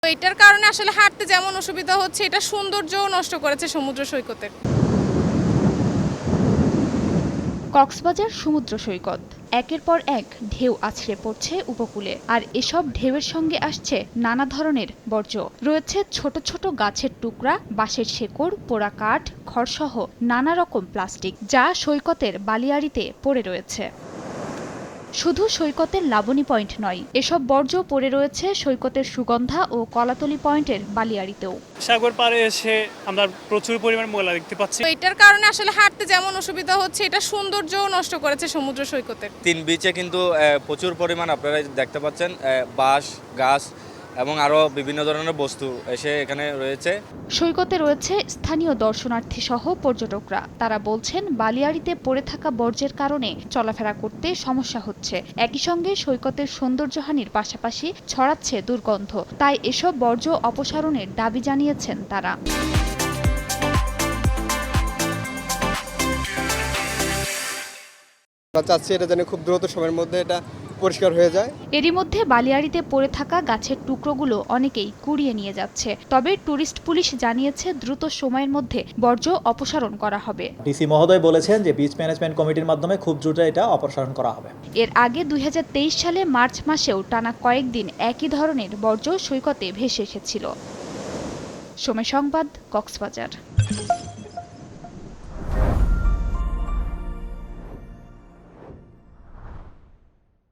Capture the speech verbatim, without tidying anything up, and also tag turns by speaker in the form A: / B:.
A: এটার কারণে আসলে হাঁটতে যেমন অসুবিধা হচ্ছে, এটা সৌন্দর্যও নষ্ট করেছে সমুদ্র সৈকতের।
B: কক্সবাজার সমুদ্র সৈকত একের পর এক ঢেউ আছড়ে পড়ছে উপকূলে, আর এসব ঢেউয়ের সঙ্গে আসছে নানা ধরনের বর্জ্য। রয়েছে ছোট ছোট গাছের টুকরা, বাঁশের শেকড়, পোড়া কাঠ, খড়সহ নানা রকম প্লাস্টিক, যা সৈকতের বালিয়াড়িতে পড়ে রয়েছে। শুধু সৈকতের লাবণী পয়েন্ট নয়, এসব বর্জ্য পড়ে রয়েছে সৈকতের সুগন্ধা ও কলাতলি পয়েন্টের বালিয়াড়িতেও।
C: সাগর পাড়ে এসে আমরা প্রচুর পরিমাণ ময়লা দেখতে পাচ্ছি।
A: এটার কারণে আসলে হাঁটতে যেমন অসুবিধা হচ্ছে, এটা সৌন্দর্যও নষ্ট করেছে সমুদ্র সৈকতের।
D: তিন বিচে কিন্তু প্রচুর পরিমাণ আপনারা দেখতে পাচ্ছেন বাঁশ, গাছ এবং আরও বিভিন্ন ধরনের বস্তু এসে এখানে রয়েছে।
B: সৈকতে রয়েছে স্থানীয় দর্শনার্থী সহ পর্যটকরা। তারা বলছেন বালিয়াড়িতে পড়ে থাকা বর্জ্যের কারণে চলাফেরা করতে সমস্যা হচ্ছে। একই সঙ্গে সৈকতের সৌন্দর্যহানির পাশাপাশি ছড়াচ্ছে দুর্গন্ধ। তাই এসব বর্জ্য অপসারণের দাবি জানিয়েছেন তারা।
E: আমরা চাচ্ছি এটা যেন খুব দ্রুত সময়ের মধ্যে এটা পরিষ্কার হয়ে যায়।
B: এরই মধ্যে বালিয়াড়িতে পড়ে থাকা গাছের টুকরোগুলো অনেকেই কুড়িয়ে নিয়ে যাচ্ছে। তবে ট্যুরিস্ট পুলিশ জানিয়েছে দ্রুত সময়ের মধ্যে বর্জ্য অপসারণ করা হবে।
F: ডিসি মহোদয় বলেছেন যে বিচ ম্যানেজমেন্ট কমিটির মাধ্যমে খুব দ্রুত এটা অপসারণ করা হবে।
B: এর আগে দুই হাজার তেইশ সালে মার্চ মাসেও টানা কয়েকদিন একই ধরনের বর্জ্য সৈকতে ভেসে এসেছিল। সময় সংবাদ, কক্সবাজার।